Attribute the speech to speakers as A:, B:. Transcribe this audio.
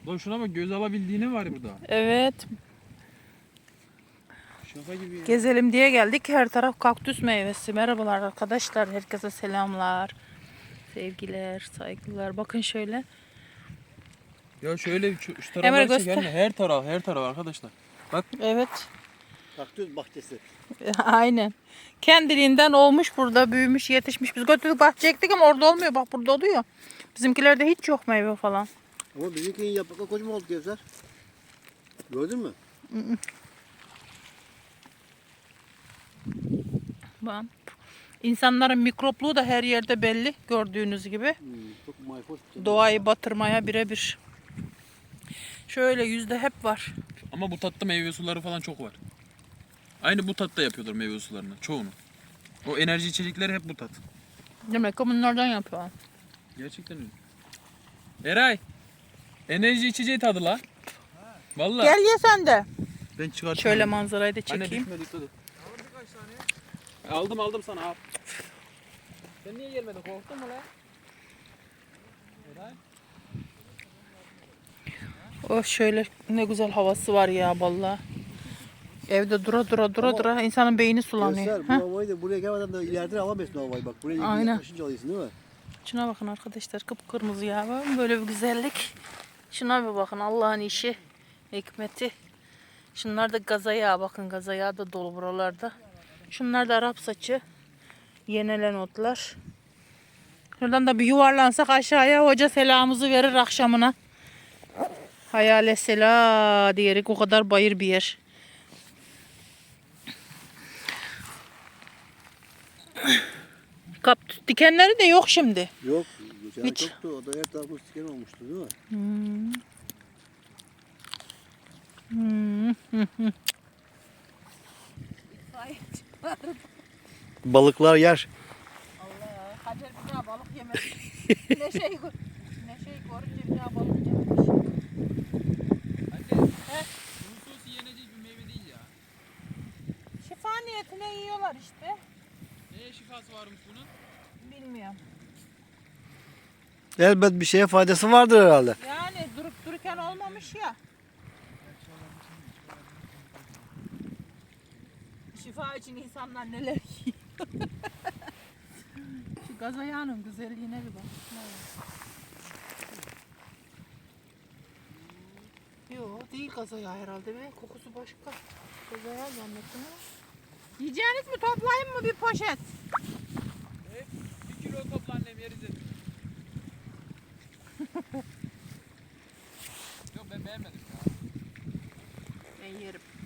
A: Lan şuna bak, göz alabildiğine var burada.
B: Evet.
A: Şaka gibi ya.
B: Gezelim diye geldik. Her taraf kaktüs meyvesi. Merhabalar arkadaşlar. Herkese selamlar. Sevgiler, saygılar. Bakın şöyle.
A: Ya şöyle şu
B: Emre
A: tarafları
B: göster.
A: çekelim de her taraf arkadaşlar. Bak.
B: Evet.
C: Kaktüs bahçesi.
B: Aynen. Kendiliğinden olmuş burada. Büyümüş, yetişmiş. Biz götürdük bahçeye ektik ama orada olmuyor. Bak burada oluyor. Bizimkilerde hiç yok meyve falan.
C: Ama bizimkinin yaprakları kocaman oldu Gevzer. Gördün mü?
B: Bak. İnsanların mikropluğu da her yerde belli. Gördüğünüz gibi.
C: Çok mayhoş bir şey.
B: Doğayı batırmaya birebir. Şöyle yüzde hep var.
A: Ama bu tatta meyve suları falan çok var. Aynı bu tatta yapıyorlar meyve sularını çoğunu. O enerji içecekleri hep bu tat.
B: Demek ki bunlardan yapıyor.
A: Gerçekten öyle. Eray. Enerji içeceği tadı la. Vallahi.
B: Gel ye sen de.
A: Ben çıkartayım.
B: Şöyle manzarayı da
A: Anne
B: çekeyim.
A: düşme, dikkat et. Aldım sana al. Sen niye gelmedin, korktun mu lan? Eray.
B: Oh şöyle ne güzel havası var ya vallahi. Evde dura insanın beyni sulanıyor.
C: Gevzer bu
B: Heh.
C: havayı da buraya gelmeden de ileriden alamıyorsun o havayı. Bak buraya
B: Aynen.
C: yaklaşınca alıyorsun değil mi?
B: Şuna bakın arkadaşlar, kıpkırmızı ya. Böyle bir güzellik. Şuna bir bakın, Allah'ın işi, hikmeti. Şunlar da gaza yağı, bakın gaza yağı da dolu buralarda. Şunlar da Arap saçı. Yenelen otlar. Şuradan da bir yuvarlansak aşağıya, hoca selamımızı verir akşamına. Hayale sela diyerek, o kadar bayır bir yer. Kaktüs dikenleri de yok şimdi.
C: Yok. Geçen
B: Hiç.
C: çoktu. O da her tarafı siken olmuştu değil mi? Balıklar yer.
B: Allah, Hacer bir daha balık yemez. Neşeyi görünce bir daha balık yememiş.
A: Anne. Hususi yenecek bir meyve değil ya.
B: Şifa niyetine yiyorlar işte.
A: Neye şifası varmış bunun?
B: Bilmiyorum.
C: Elbet bir şeye faydası vardır herhalde.
B: Yani durup dururken olmamış ya. Şifa için insanlar neler yiyor. Şu gaz ayağının güzelliğine bir bak. Yok değil gaz ayağı herhalde be. Kokusu başka. Gaz ayağı zannettim ama. Yiyeceğiniz mi, toplayayım mı bir poşet?
A: Evet. 1 kilo topla annem, yeriz dedim. Yok ben beğenmedim ya.
B: Ben yerim.